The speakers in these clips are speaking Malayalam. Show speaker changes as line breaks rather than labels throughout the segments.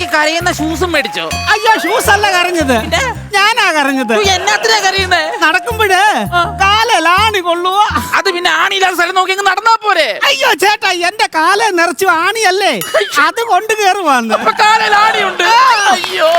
കരയുന്ന ഷൂസും മേടിച്ചോ?
അയ്യോ ഷൂസ് അല്ല കരഞ്ഞത്, ഞാനാ കരഞ്ഞത്.
എന്നാത്തിനാ കരയുന്നേ?
നടക്കുമ്പോഴേ കാലാണി കൊള്ളുവോ.
അത് പിന്നെ ആണിയില്ലാത്ത സ്ഥലം നോക്കി നടന്നാ പോരെ?
അയ്യോ ചേട്ടാ, എന്റെ കാല നിറച്ചു ആണിയല്ലേ, അത് കൊണ്ട് കേറുവാന്ന്.
അപ്പൊ കാലിൽ ആണിയുണ്ട്. അയ്യോ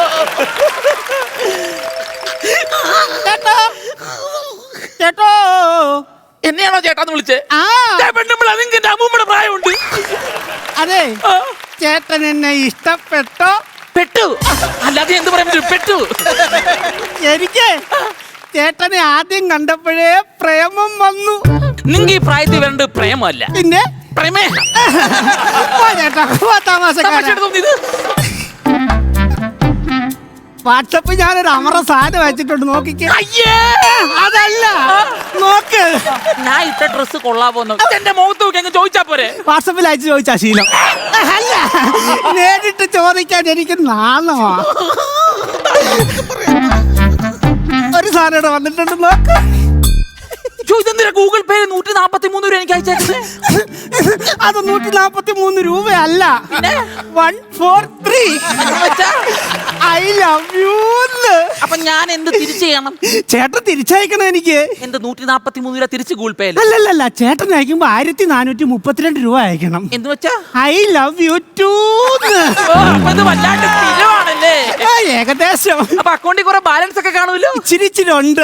ചേട്ടോ, ചേട്ടോ,
എന്നെയാണോ ചേട്ടാന്ന് വിളിച്ചേ? അതിന്റെ അമ്മൂമ്മയുടെ പ്രായമുണ്ട്.
അതെ, ചേട്ടൻ എന്നെ ഇഷ്ടപ്പെട്ടോ?
പെട്ടു, അല്ലാതെ എന്ത് പറയാൻ പെട്ടു.
എനിക്ക് ചേട്ടനെ ആദ്യം കണ്ടപ്പോഴേ പ്രേമം വന്നു.
നിങ്ങ ഈ പ്രായത്തിൽ വരേണ്ട പ്രേമല്ല,
പിന്നെ
പ്രേമേഹം.
ചേട്ടാ
തോന്നിയത്
വാട്സപ്പിൽ ഞാനൊരു അമറ സാധനം വെച്ചിട്ടുണ്ട്, നോക്കിക്കേ.
അയ്യേ,
അതല്ല, നോക്ക്.
ഞാൻ ഇട്ട ഡ്രസ് കൊള്ളാപോന്നു. എന്റെ മുഖത്ത് നോക്കി അങ്ങ് ചോദിച്ചാ പോരെ?
വാട്സപ്പിൽ അയച്ചു ചോദിച്ചാ ശീലം അല്ല, നേരിട്ട് ചോദിക്കാൻ എനിക്ക് നാണമാ. ഒരു സാധനം ഇവിടെ വന്നിട്ടുണ്ട്, നോക്ക്.
ഇതെന്തിനാ ഗൂഗിൾ പേ 143 രൂപ എനിക്ക് അയച്ചേക്കുന്നത്?
അത് 143 രൂപയല്ല, 143. I love U.
അപ്പൊ ഞാൻ എന്ത് തിരിച്ചു ചെയ്യണം?
ചേട്ടൻ തിരിച്ചയക്കണം എനിക്ക്.
എന്ത് 143 രൂപ തിരിച്ച് ഗൂഗിൾ പേ?
അല്ലല്ല, ചേട്ടൻ അയക്കുമ്പോ 1432 രൂപ അയക്കണം.
എന്ത് വെച്ചാ?
I love you too.
വല്ലാണ്ട് സ്ഥിരമാണല്ലേ?
ഏകദേശം.
അപ്പൊ അക്കൗണ്ടിൽ കുറെ ബാലൻസ് ഒക്കെ കാണുമല്ലോ?
ഇച്ചിരി ഉണ്ട്.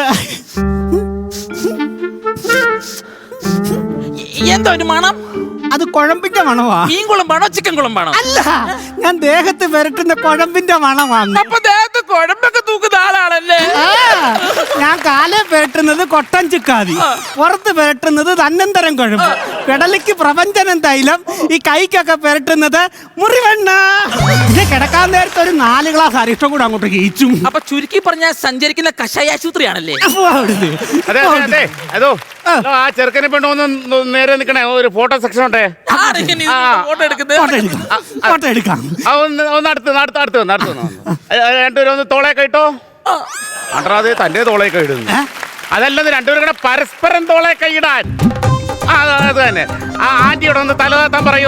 എന്താ ഒരു മണം?
അത് കുഴമ്പിന്റെ മണമാ.
മീൻ കുളമ്പാണോ ചിക്കൻ കുളമ്പാണോ?
അല്ല, ഞാൻ ദേഹത്ത് പുരട്ടുന്ന കുഴമ്പിന്റെ മണമാണ്.
അപ്പൊ ദേഹത്ത് കുഴമ്പൊക്കെ തൂക്കുന്ന ആളാണല്ലേ?
ഞാൻ കാലേ പുരട്ടുന്നത് കൊട്ടൻ ചിക്കാതി, പുറത്ത് പുരട്ടുന്നത് തന്നന്തരം കുഴമ്പ്, പെടലിക്ക് പ്രപഞ്ചനം തൈലം, ഈ കൈക്കൊക്കെ പുരട്ടുന്നത് മുറിവെണ്ണ. പിന്നെ കിടക്കാൻ നേരത്തെ ഒരു 4 ഗ്ലാസ് അരിഷ്ടം കൂടെ അങ്ങോട്ട് കഴിച്ചും.
അപ്പൊ ചുരുക്കി പറഞ്ഞാൽ സഞ്ചരിക്കുന്ന കഷായ ആശുപത്രിയാണല്ലേ?
അതോ ആ ചെറുക്കനെ പെണ്ണൊന്ന് നേരെ നിക്കണേ, ഒരു ഫോട്ടോ സെക്ഷൻ ഉണ്ടേ.
ഫോട്ടോ എടുക്കുന്നത്
ഫോട്ടോ എടുക്കാം.
ഒന്ന് അടുത്ത് രണ്ടുപേരും ഒന്ന് തോളേക്ക് ഇട്ടോ. അണ്ടറാതെ തന്റെ തോളേക്ക് ഇടുന്നു. അതല്ലെന്ന് രണ്ടുപേരും കൂടെ പരസ്പരം തോളേക്ക് ഇടാൻ. അത് തന്നെ. ആ ആന്റിയോട് ഒന്ന് തലതാത്താൻ പറയൂ.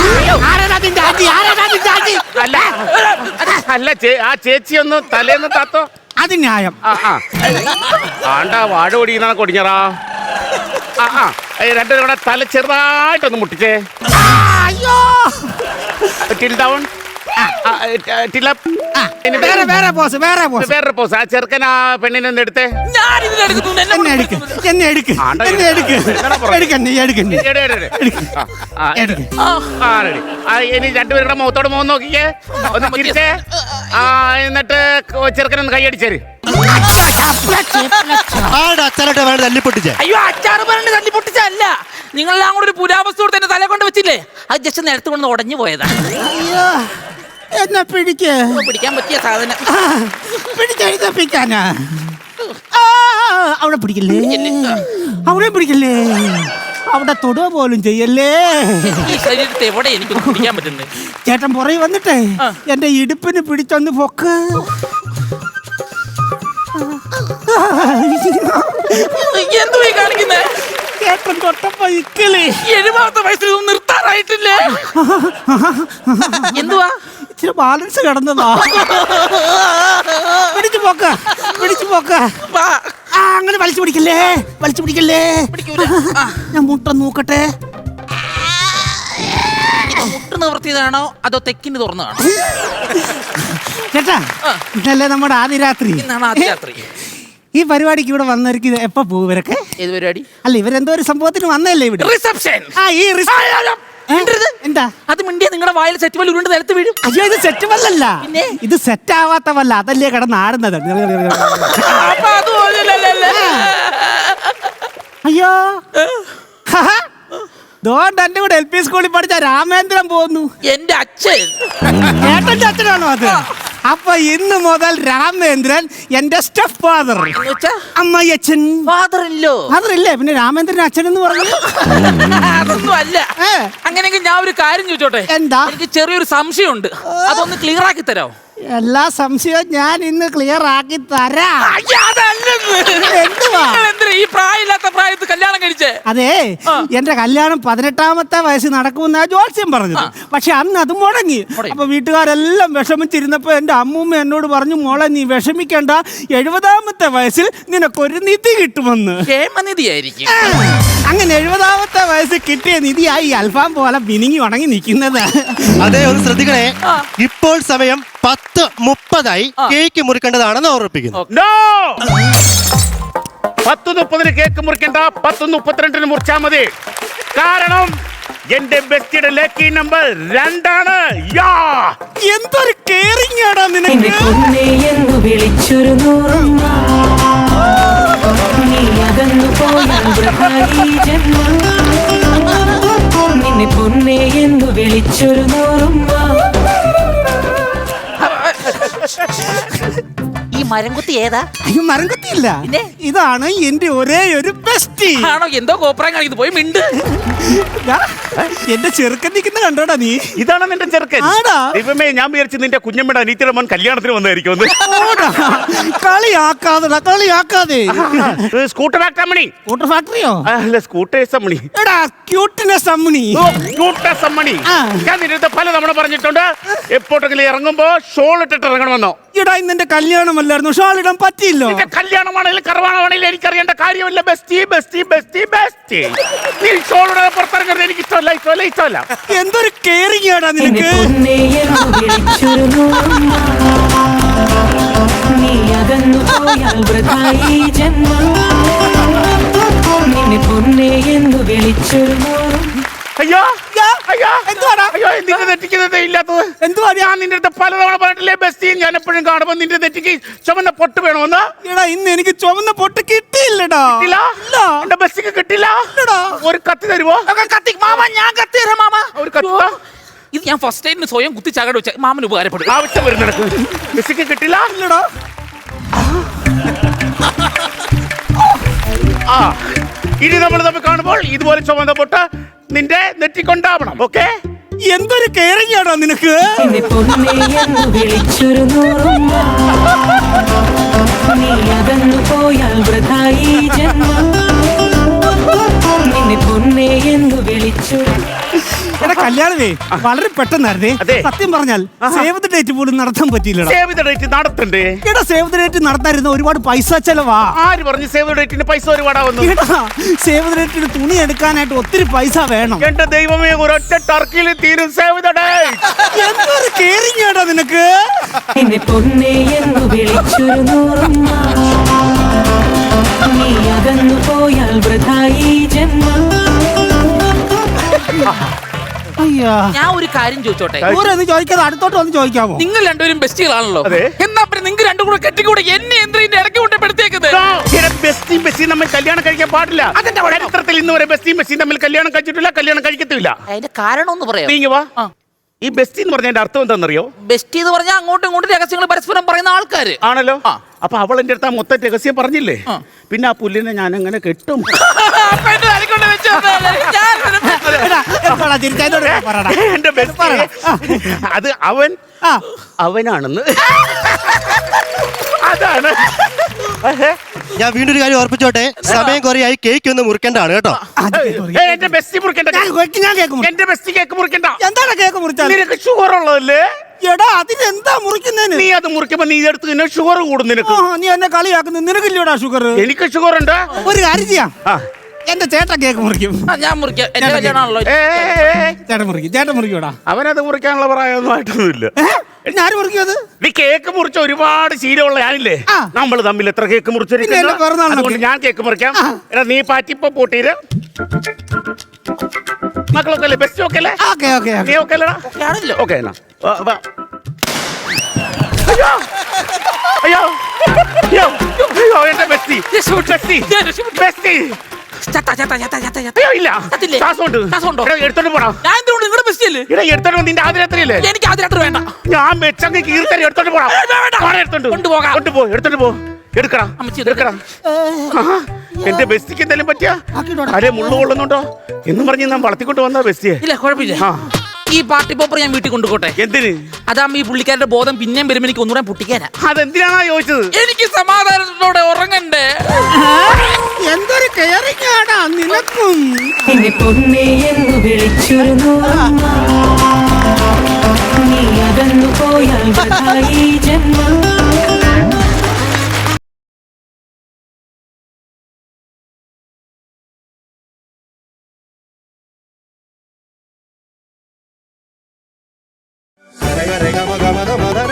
അല്ല, ആ ചേച്ചി ഒന്ന് തലേന്ന് താത്തോ.
അത് ന്യായം.
ആണ്ടാ വാഴ ഓടിക്കുന്ന കൊടിഞ്ഞറാ. രണ്ടുപേരും കൂടെ തല ചെറുതായിട്ടൊന്ന് മുട്ടിച്ചേ. Tilt down, tilt up.
വേറെ പോസ്.
ആ ചെറുക്കൻ ആ പെണ്ണിനെ ഒന്ന് എടുത്തേ. ഇനി രണ്ടുപേരുടെ മുഖത്തോട് മുഖം നോക്കിക്കേ, ഒന്ന് തിരിച്ചേ. എന്നിട്ട് ചെറുക്കനൊന്ന് കൈയടിച്ചേര്.
അയ്യോ, അച്ചാറ് പറഞ്ഞ് തല്ലി പൊട്ടിച്ചല്ല, നിങ്ങളെല്ലാം കൂടെ ഒരു പുരാവസ്തു തന്നെ തല കൊണ്ട് വെച്ചില്ലേ, അത് ജസ്റ്റ് നേരത്തെ കൊണ്ട് ഉടഞ്ഞു പോയതാ.
എന്നാ
പിടിക്കാൻ പറ്റിയ സാധനം
പിടിക്കാനാ. അവിടെ പിടിക്കല്ലേ, അവിടെ പിടിക്കല്ലേ, അവിടെ തൊടുക പോലും ചെയ്യല്ലേ.
ഈ ശരീരത്തെ എവിടെ എനിക്ക് പിടിക്കാൻ പറ്റുന്നത്?
ചേട്ടൻ പുറകെ വന്നിട്ടേ എന്റെ ഇടുപ്പിന് പിടിച്ചൊന്ന് പൊക്ക്.
എന്തു കാണിക്കുന്നേ?
ചേട്ടൻ തൊട്ടപ്പോ ഇക്കിളി.
70 വയസ്സിൽ നിർത്താറായിട്ടില്ലേ? എന്തുവാ?
ഇച്ചിരി ബാലൻസ് കിടന്നതാ. പിടിച്ചു പോക്ക. അങ്ങനെ വലിച്ചു പിടിക്കല്ലേ. ഞാൻ മുട്ട നോക്കട്ടെ.
മുട്ട് നിവർത്തിയതാണോ അതോ തെക്കിന് തുറന്നതാണോ?
ചേട്ടാ, ഇതല്ലേ നമ്മുടെ ആദ്യ രാത്രി.
ഇന്നാണ് ആദ്യ രാത്രി.
ഈ പരിപാടിക്ക് ഇവിടെ വന്നവർക്ക് എപ്പോ പോകും ഇവരൊക്കെ?
ഏത് പരിപാടി?
അല്ല, ഇവരെന്തോ ഒരു സംഭവത്തിന് വന്നല്ലേ ഇവിടെ?
റിസപ്ഷൻ.
എന്താ
അത് മിണ്ടിയ നിങ്ങളുടെ വായിൽ സെറ്റ് വല്ല ഉരുണ്ട് നിലത്ത് വീഴും.
അയ്യോ, ഇത് സെറ്റ് വല്ലല്ല, ഇത് സെറ്റ് ആവാത്ത വല്ല, അതല്ലേ കിടന്നാടുന്നത്. അയ്യോ, ദോണ്ട് എന്റെ കൂടെ LP സ്കൂളിൽ പഠിച്ച രാമേന്ദ്രൻ പോകുന്നു.
എന്റെ അച്ഛൻ.
ഏട്ടന്റെ അച്ഛനാണോ അത്? അപ്പൊ ഇന്ന് മുതൽ രാമേന്ദ്രൻ എന്റെ സ്റ്റെപ്പ് ഫാദർ. അമ്മയച്ഛൻ. ഫാദറില്ലേ, പിന്നെ രാമേന്ദ്രൻ അച്ഛൻ എന്ന് പറഞ്ഞു.
അതൊന്നും അല്ല. അങ്ങനെയെങ്കിൽ ഞാൻ ഒരു കാര്യം ചോദിച്ചോട്ടെ?
എന്താ?
എനിക്ക് ചെറിയൊരു സംശയമുണ്ട്, അതൊന്ന് ക്ലിയർ ആക്കി തരാമോ?
എല്ലാ സംശയവും ഞാൻ ഇന്ന് ക്ലിയർ ആക്കി തരാം.
അയ്യ, അതല്ലെന്ന്.
എന്തുവാ?
നിങ്ങൾ എന്തിനാ ഈ പ്രായമില്ലാത്ത പ്രായത്ത് കല്യാണം കഴിച്ചേ?
അതെ, എന്റെ കല്യാണം 18-ാമത്തെ വയസ്സിൽ നടക്കുമെന്നാ ജോത്സ്യം പറഞ്ഞത്. പക്ഷെ അന്ന് അത് മുടങ്ങി. അപ്പൊ വീട്ടുകാരെല്ലാം വിഷമിച്ചിരുന്നപ്പോ എന്റെ അമ്മൂമ്മ എന്നോട് പറഞ്ഞു, മോളെ നീ വിഷമിക്കണ്ട, 70-ാമത്തെ വയസ്സിൽ നിനക്കൊരു നിധി കിട്ടുമെന്ന്.
ക്ഷേമനിധിയായിരിക്കും.
അങ്ങനെ 70-ാമത്തെ വയസ്സിൽ കിട്ടിയ നിധിയായി അൽഫാം പോലെ മിനിങ്ങി ഉണങ്ങി നിൽക്കുന്നത്.
അതെ, ഒന്ന് ശ്രദ്ധിക്കണേ. ഇപ്പോൾ സമയം 10:30 കേക്ക് മുറിക്കേണ്ടതാണെന്ന് ഓർമ്മിപ്പിക്കുന്നു.
10:30 കേക്ക് മുറിക്കണ്ട, 10:32 മുറിച്ചാ മതി. കാരണം എന്റെ ബെസ്റ്റിയുടെ ലക്കി നമ്പർ 2 യാ.
എന്തൊരു കെയറിംഗ് ആടാ നിനക്ക്.
എന്ന് വിളിച്ചൊരു നൂറുമ്മ നീ അകന്നു പോയി ജന്മം നിന്നെ പൊന്നേ എന്ന് വിളിച്ചൊരു നൂറുമ്മ.
ഈ മരംകുത്തി ഏതാ?
അയ്യോ, മരംകുത്തിയില്ല.
പിന്നെ?
ഇതാണ് എന്റെ ഒരേ ഒരു ബെസ്റ്റി.
ആണോ? എന്തോ കോപ്രായം കാണിക്കുന്നത്. പോയി മിണ്ട്.
എന്റെ ചെറുക്കൻ നിൽക്കുന്ന കണ്ടോടാ നീ?
ഇതാണ് നിന്റെ ചെറുക്കൻ?
ആടാ.
ദൈവമേ, ഞാൻ വിചാരിച്ചു നിന്റെ കുഞ്ഞമ്മയുടെ അനീത്തിയുടെ മോൻ കല്യാണത്തിന് വന്നായിരിക്കും.
കളിയാക്കാതെടാ, കളിയാക്കാതെ.
Scooter factory.
സ്കൂട്ടർ ഫാക്ടറിയോ?
അല്ല, സ്കൂട്ടേഴ്സ് അമ്മണി.
എടാ, ക്യൂട്ട്നെസ് അമ്മണി.
ക്യൂട്ട്നെസ് അമ്മണി.
ആ.
ഞാൻ നിന്റെ പല തവണ പറഞ്ഞിട്ടുണ്ട്, എപ്പോഴെങ്കിലും ഇറങ്ങുമ്പോ ഷോൾ ഇട്ടിട്ട് ഇറങ്ങണമെന്നോ.
എടാ, ഇന്ന് എന്റെ കല്യാണമല്ലായിരുന്നു, ഷാൾ ഇടാൻ പറ്റിയില്ലോ.
നിന്റെ കല്യാണമാണെങ്കിലും കറവാണമാണെങ്കിലും എനിക്കറിയേണ്ട കാര്യമില്ല. Bestie bestie bestie bestie. നീ ഷോളുടെ പുറത്തിറങ്ങുന്നത് എനിക്ക് ഇഷ്ടമല്ല, ഇഷ്ടമല്ല, ഇഷ്ടമല്ല.
എന്തൊരു കെയറിംഗ് ആടാ
നിന്നെ
നിനക്ക്.
പൊന്നേ എന്ന് വിളിച്ചൊരു നൂറുമ്മ നീ അകന്നു പോയാൽ വൃഥായി ജന്മം നിന്നെ പൊന്നേ എന്ന് വിളിച്ചൊരു നൂറുമ്മ.
അയ്യോ അയ്യോ,
എന്തുവാടാ?
അയ്യോ, നിന്റെ നെറ്റിക്കുന്നത് ഇല്ലാത്തത്
എന്തുവാ?
ഞാൻ നിന്റെ അടുത്ത് പലതവണ പറഞ്ഞില്ലേ, ബെസ്റ്റി ഞാൻ എപ്പോഴും കാണുമ്പോൾ നിന്റെ നെറ്റിക്ക് ചുമന്ന പൊട്ട് വേണമെന്ന്.
എടാ, ഇന്ന് എനിക്ക് ചുവന്ന പൊട്ട് കിട്ടിയില്ലടാ.
കിട്ടില്ല?
ഇല്ല.
എന്റെ ബെസ്റ്റിക്ക് കിട്ടില്ല.
ഇല്ലടാ.
ഒരു കത്തി തരുമോ?
കത്തി മാമ, ഞാൻ കത്തി തരാം മാമ.
ഒരു കത്തി താ.
ഇത് ഞാൻ ഫസ്റ്റ് ടൈമിന് സ്വയം കുത്തി ചകട് വെച്ച മാമന് ഉപകാരപ്പെടും.
ആവശ്യം വരുന്നിടക്ക് ബെസ്റ്റിക്ക് കിട്ടില്ല.
ഇല്ലടാ.
ആ, ഇനി നമ്മൾ തമ്മിൽ കാണുമ്പോൾ ഇതുപോലെ ചുമന്ന പൊട്ട് നിന്റെ നെറ്റിക്കൊണ്ടാവണം. ഓക്കെ?
എന്തൊരു കെയറിംഗ് ആടാ നിനക്ക്.
നിന്നെ പൊന്നേ എന്ന് വിളിച്ചൊരു നൂറുമ്മ നീ അകന്നു പോയാൽ വൃഥായി ജന്മം നിന്നെ പൊന്നേ എന്ന് വിളിച്ചൊരു.
എടാ, കല്യാണമേ വളരെ പെട്ടെന്നായിരുന്നേ.
അതെ.
സത്യം പറഞ്ഞാൽ സേവ് ദ ഡേറ്റ് പോലും നടത്താൻ പറ്റിയില്ലടാ.
സേവ് ദ ഡേറ്റ് നടത്തണ്ടേ?
എടാ, സേവ് ദ ഡേറ്റ് നടത്താതിരുന്ന ഒരുപാട് പൈസ ചെലവാ.
ആര് പറഞ്ഞു സേവ് ദ ഡേറ്റിന് പൈസ ഒരുപാടാവുന്നു?
എടാ, സേവ് ദ ഡേറ്റിന് തുണി എടുക്കാനായിട്ട് ഒത്തിരി പൈസ വേണം.
എന്റെ ദൈവമേ, ഒരൊറ്റ ടർക്കിയിൽ തീരും സേവ് ദ ഡേറ്റ്.
എന്തൊരു കെയറിംഗ് ആടാ നിനക്ക്.
നിന്നെ പൊന്നേ എന്ന് വിളിച്ചൊരു നൂറുമ്മ നീ അകന്നു പോയാൽ വൃഥായി ജന്മം.
അയ്യാ,
ഞാൻ ഒരു കാര്യം ചോദിച്ചോട്ടെ?
ഓരോന്ന് ചോദിക്കാതെ അടുത്തോട്ട് വന്ന് ചോദിക്കാമോ?
നിങ്ങൾ രണ്ടുപേരും ബെസ്റ്റികളാണല്ലോ.
അതെ.
എന്നാ പിന്നെ നിങ്ങൾ രണ്ടും കൂടെ കെട്ടിക്കൂടെ? എന്നെ എന്തിനാ ഇതിന്റെ ഇടയ്ക്ക് കൊണ്ടപ്പെടുത്തേക്കുന്നത്?
ബെസ്റ്റിയും ബെസ്റ്റിയും തമ്മിൽ കല്യാണം കഴിക്കാൻ പാടില്ല.
അതെന്താ കുഴപ്പം?
ചരിത്രത്തിൽ ഇന്ന് വരെ ബെസ്റ്റിയും ബെസ്റ്റിയും തമ്മിൽ കല്യാണം കഴിച്ചിട്ടില്ല, കല്യാണം കഴിക്കത്തില്ല.
അതിന്റെ കാരണം ഒന്ന് പറയാം.
നീങ്ങി വാ. ഈ ബെസ്റ്റി എന്ന് പറഞ്ഞതിന്റെ അർത്ഥം എന്താണെന്നറിയോ?
ബെസ്റ്റി എന്ന് പറഞ്ഞാൽ അങ്ങോട്ടും ഇങ്ങോട്ടും രഹസ്യങ്ങൾ പരസ്പരം പറയുന്ന ആൾക്കാര്
ആണല്ലോ.
ആ.
അപ്പൊ അവൾ എന്റെ അടുത്ത് ആ മൊത്തം രഹസ്യം പറഞ്ഞില്ലേ?
ആ.
പിന്നെ ആ പുല്ലിനെ ഞാൻ എങ്ങനെ കെട്ടും?
അപ്പൊ എന്നെ തലക്കൊണ്ട് വെച്ച് തന്നതല്ലേ? ഞാൻ ഇതിനെ-
എടാ, എന്താടാ ചിരിക്കാനോട് പറടാ.
എന്റെ ബെസ്റ്റ് അത്
ആ,
അവനാണെന്ന്. അതാണ്.
ഞാൻ വീണ്ടും ഒരു കാര്യം ഓർപ്പിച്ചോട്ടെ, സമയം കുറയായി കേക്ക് ഒന്ന് മുറിക്കേണ്ടതാണ് കേട്ടോ.
എന്റെ ബെസ്റ്റി മുറിക്കണ്ട.
ഞാൻ കേക്ക് മുറി.
എന്റെ ബെസ്റ്റി കേക്ക് മുറിക്കണ്ട.
എന്താണ് കേക്ക് മുറിച്ചാൽ?
നിനക്ക് ഷുഗർ ഉള്ളതല്ലേ?
എടാ, അതിനെന്താ മുറിക്കുന്നതിന്?
നീ അത് മുറിക്കുമ്പോ നീ ഇതെടുത്ത് നിന്നെ ഷുഗർ കൂടും നിനക്ക്.
നീ എന്നെ കളിയാക്കുന്നു. നിനക്കില്ലടാ ഷുഗർ.
എനിക്ക് ഷുഗർ ഉണ്ട്.
ഒരു കാര്യം ചെയ്യാം,
ആ.
എന്റെ ചേട്ടൻ കേക്ക് മുറിക്കും.
ആ, ഞാൻ മുറിക്കാം. എന്റെ കല്യാണമാണല്ലോ.
ചേട്ടൻ മുറിക്കും. ചേട്ടൻ മുറിക്കൂടാ.
അവനത് മുറിക്കാനുള്ള പ്രായമൊന്നും ആയിട്ടൊന്നുമില്ല.
ഞാൻ മുറിക്കും അത്.
നീ കേക്ക് മുറിച്ച ഒരുപാട് ശീലമുള്ള ഞാനില്ലേ?
ആ.
നമ്മൾ തമ്മിൽ എത്ര കേക്ക്
പിന്നെ എന്റെ പിറന്നാളിനൊക്കെ.
മുറിച്ചിട്ടുണ്ട്. ഞാൻ കേക്ക് മുറിക്കാം.
ആ.
എടാ, നീ പാറ്റിപ്പോ പൂട്ടീര്. മക്കളൊക്കെ അല്ലേ? ബെസ്റ്റ് ഒക്കെ അല്ലേ?
ഓക്കെ ഓക്കെ
നീ ഒക്കെ അല്ലടാ?
ആണല്ലോ.
ഓക്കെ എന്നാ വാ, വാ. അയ്യോ അയ്യോ അയ്യോ അയ്യോ, എന്റെ ബെസ്റ്റി ബെസ്റ്റി ബെസ്റ്റി.
ചത്ത, ചത്ത, ചത്ത, ചത്ത, ചത്ത.
അയ്യോ, ഇല്ല.
ചത്തില്ലേ?
ശ്വാസമുണ്ട്.
ശ്വാസമുണ്ടോ?
എടാ, എടുത്തോണ്ട് പോടാ.
ഞാൻ എന്തിനോട് നിങ്ങളുടെ ബെസ്റ്റ് അല്ലേ?
ഇവിടെ എടുത്തോണ്ട് നിന്റെ ആദ്യരാത്രിയല്ലേ?
എനിക്ക് ആദ്യം രാത്രി വേണ്ട.
ഞാൻ മെച്ചങ്ങ് കീർത്തരി എടുത്തോണ്ട് പോടാ.
വേണ്ട.
പോടാ, എടുത്തോണ്ട്
കൊണ്ടുപോകാം.
കൊണ്ടുപോ, എടുത്തോണ്ട് പോ. എടുക്കടാ,
അമ്മച്ചി,
എടുക്കടാ. ആഹാ, എന്റെ ബെസ്റ്റിക്ക് എന്തെങ്കിലും പറ്റിയ
ആക്കിയിട്ടോടാ.
അരെ മുള്ളു കൊള്ളുന്നുണ്ടോ എന്നും പറഞ്ഞ് ഞാൻ വളർത്തിക്കൊണ്ട് വന്ന ബെസ്റ്റിയെ.
ഇല്ല, കുഴപ്പമില്ല.
ആ,
ഈ പാർട്ടി പോപ്പർ ഞാൻ വീട്ടിൽ കൊണ്ടുപോട്ടെ.
എന്തിന്?
അതാകുമ്പോ ഈ പുള്ളിക്കാരുടെ ബോധം പിന്നെയും വരുമ്പോ എനിക്ക് ഒന്നുകൂടെ പൊട്ടിക്കാനാ.
അതെന്തിനാണോ ചോദിച്ചത്?
എനിക്ക് സമാധാനത്തോടെ ഉറങ്ങണ്ടേ.
എന്തൊരു കെയറിംഗ് ആടാ നിനക്കും.
എന്നെ പൊന്നേ എന്ന് വിളിച്ചൊരു നൂറമ്മ, നീ അകന്നു പോയാൽ വൃഥായി ജന്മം.
Rega, rega, maga, maga, maga.